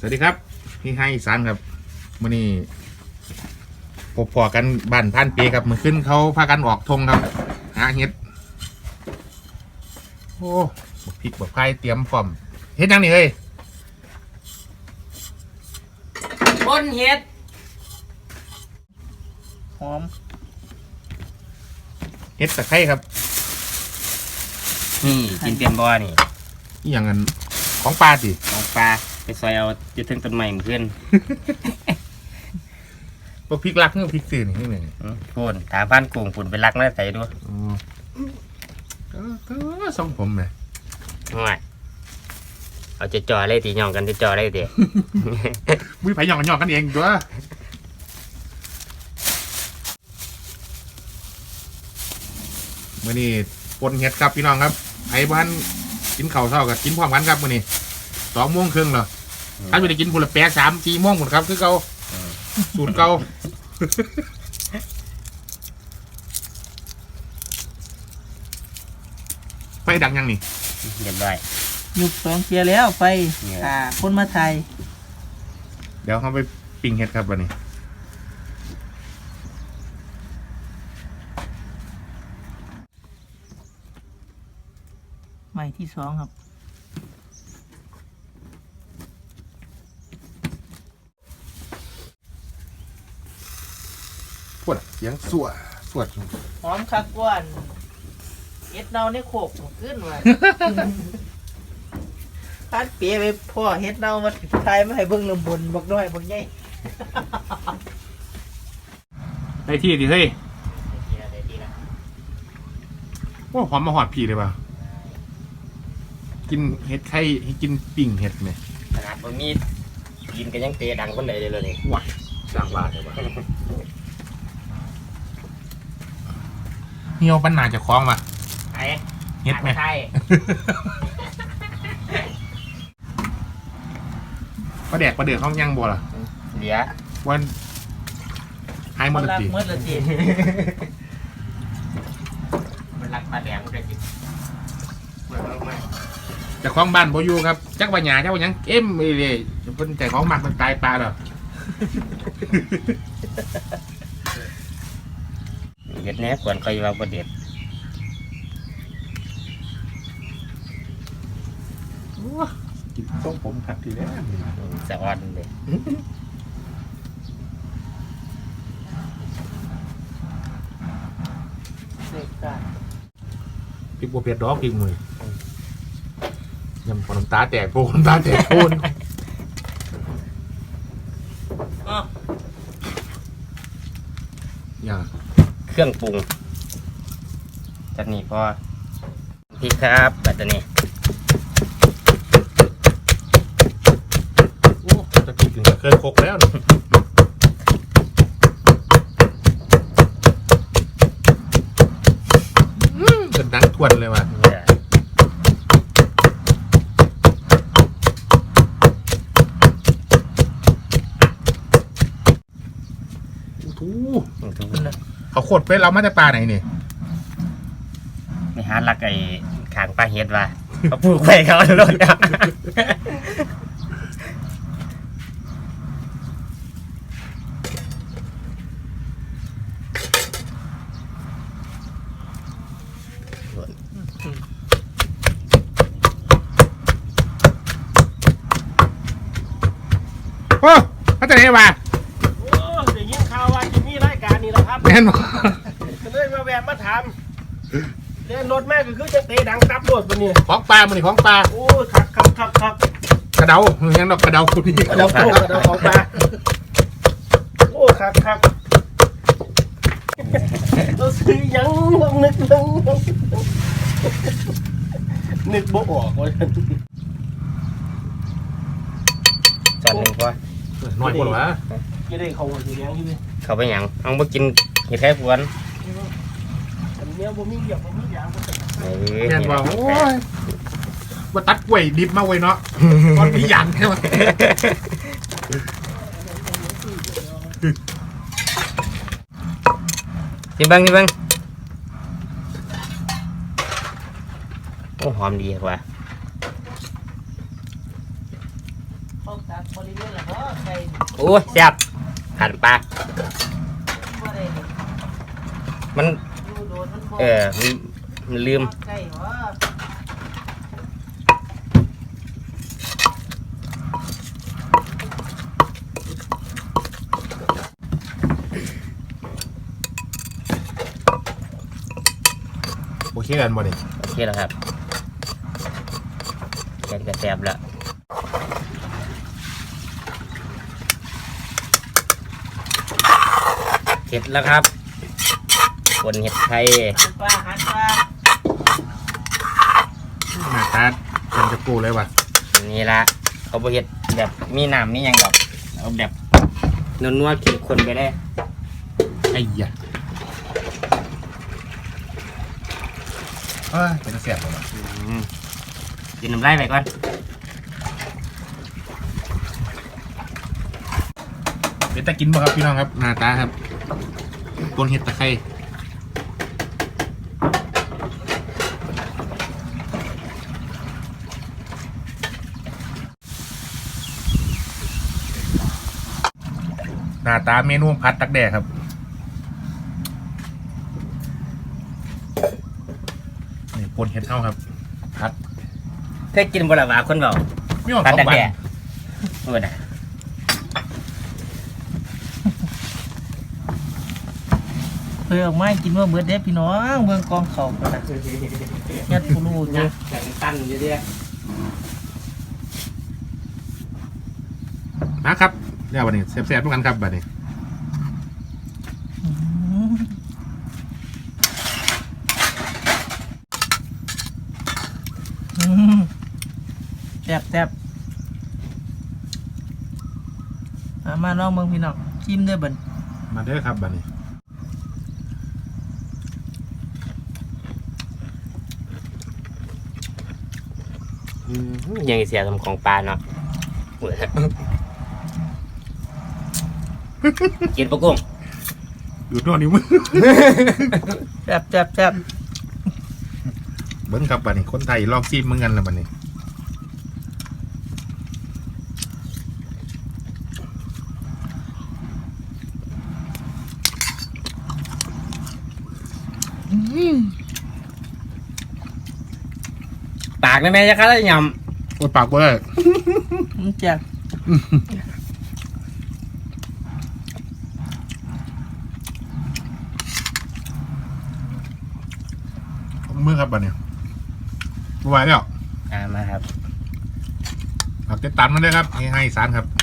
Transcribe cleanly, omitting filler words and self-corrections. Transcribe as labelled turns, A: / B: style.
A: วัสดีครับพี่ให้อีสานครับมื่อนี้พอกันบ้านพันเปีครับมือขึ้นเขาพากันออกทงครับหาเห็ดโอ้พริกแบบไข่เตรียมพร้อมเห็ดยังนี่เฮ้ย
B: บนเห็ดหอม
A: เห็ดตะไคร้ครับ
B: นี่กินเตียนบ่อนี่
A: อย่างนั้นของปลาสิ
B: ของปลาไปซอยเอาจะถึงต้นไม้เพื่อน
A: พวกพริกลักนี่พริกสื่อนี่ไง
B: พูนถามพันกุ้งฝุ่นไปรักน่าใส่ด้วย
A: ก็ส่งผมเลย
B: ง่ายเอาจะจ่อเลยตีหย่องกันจะจ่อเลยเดี๋ยว
A: มือไผ่หย่องกันหย่องกันเองตัวมื่อนี้ปนเห็ดครับพี่น้องครับไอ้บ้านกินข้าวเช้ากับกินพร้อมกันครับมื่อนี้2:30เหรอถ้าไม่ได้กินผลแปะ3-4 โมงหมดครับคือเก่าสูตรเก่าไฟดังยังนี่
B: เรียบร้อย
C: ยุบ2 เทียแล้วไฟคนมาไทย
A: เดี๋ยวเขาไปปิ้งเห็ดครับวันนี้
C: ใหม่ที่2ครับ
A: ปวดเสียงสวด
C: หอมคักก้อนเอ็ดเนาในโขกขึ้นว่ะพัดเปียไปพ่อเฮ็ดเนามาไทยมาให้เบิ่งลำบนบักน้อยบักใหญ่
A: ได้ที่ดิเฮ้ยว่าหอมมาหอดผีเลยป่ะกินเห็ดไข่ให้กินปิ่งเห็ดไหม
B: ขนาดบะมีกินกันยังเตะดังคนใดเลยนี่
A: ว้าสร้างบ้านเลยป่ะเหี่ยวปัญหาจะคล้องป่ะ
B: ไอ้
A: เห็ดไหม
B: ใช่
A: ประเดือดห้องยังบัวล่ะ
B: เหลีย
A: วันไฮมอลตี
B: มันรักปลาแดงเลยจิ
A: แต่ของบ้านโบยูครับจักปัญญาเจ้ายังเลยเป็นแต่ของหมักมันตายปลาเหรอ
B: เห็ดเนี้ยควรคอยว่าประเด็ด
A: กินต้มผมผัดทีแล้ว
B: สะอ่อนเลย
A: พริกบัวเปียดดอกกินมือยำปนน้ำตาแตกโพน้ำตาแตกโพนอย่าง
B: เครื่องปรุงจากนี้พอพริกครับแบบนี้
A: จะกินถึงกับเคยโคกแล้วเป็นดังทวนเลยว่ะเขาโคตรเป็นเรามาจากปลาไหนนี่
B: ไม่หาลักไอ้ขางปลาเห็ดว่ะเขาปลูกไปเขาโดน
A: โอ้เขาจะไหนวะ
D: โอ้เดี๋ยวยินข่าวว่าจะมีรายการนี้แล้วครับ
A: แน่นอน
D: เลยมาแวะมาถามเล่นรถแม่ก็คือจะเตะดังตับรถวันนี้
A: ของปลามันนี่ของปลา
D: โอ้ครับ
A: กระเดายังดอกกระเดาคุณนี่
D: กระเดาของปลาโอ้ครับเราซื้อยังลองนึกบ่ออกเลย
B: จานหนึ่งพอ
A: น้อยกว่าวะ
D: ยังได้เขาอยู่ยังอยู่
B: เขาไปหยังเอามากินเห็ดไข่พวน
D: เนี้ยบ่มีเหยียบบ่มียาง
A: แม่นว่าโอ้ยว่าตัดกล้วยดิบมาไว้เนาะตอนมีหยางใช่ไหม
B: กินบ้างโอ้หอมดีกว่า
C: เขาตัดบริเวณละบ่ไก่
B: โอ้ยแซ่บขันปลา
C: บ่ได้นี่
B: มัน
C: อยู่โดนมันบ่
B: มันลืม
C: ไก่บ่
A: โอเคกันบ่นี่
B: โอเคแล้วครับแกงก็แซ่บแล้วเสร็จแล้วครับคนเห็ดไทย
C: หันปลา
A: หน้าตาเป็นจะปูเลยว่ะ
B: นี่ละเขาบเห็ดแบบมีน้ำมีหยังดอกเอาแบบนัวๆกินคนไปได้
A: ไอ้ยะเป็นเสียบเลยว่ะ
B: กินน้ำลายไปก่อน
A: เดี๋ยวจะกินบ่ครับพี่น้องครับหน้าตาครับปนเห็ดตะไคร้หน้าตาเมนูพัดตักแดกครับนี่ปนเห็ดเท่าครับพัด
B: เคยกินบลาวาคนเบา
A: ไม่หวัง
B: พัด
A: สอง
B: ดัก
A: วัน
B: แด่โอ้ยนะ
C: เพื่อออกมากินว่าเบิดเด้พี่น้องเมืองกองเขากันนะยัดผู้รู้อยู่
B: แข็งตันอยู่เดีย
A: นะครับเดี๋ยววันนี้แซ่บๆทุกกันครับบัดนี้
C: แซ่บมาน้องเมืองพี่น้องชิมเด้อเบิ่น
A: มาเด้อครับบัดนี้
B: ยังเสียทำของปลาเนาะโอ้ยกินปลากุ้ง
A: อยู่ตัวนิ้วมือ
C: แซ่บ
A: เบิ้งครับบัดนี้คนไทยลองซีมมึงกันแล้วบัดนี้
B: ปากได้ไหมจะคัดได้ย
A: โอ้ยปากเว้ย
C: แซ่บ
A: มือครับบัดนี้บไหวแล้ว
B: มาครับ
A: ฝากติดตามมันด้วยครับให้สารครับ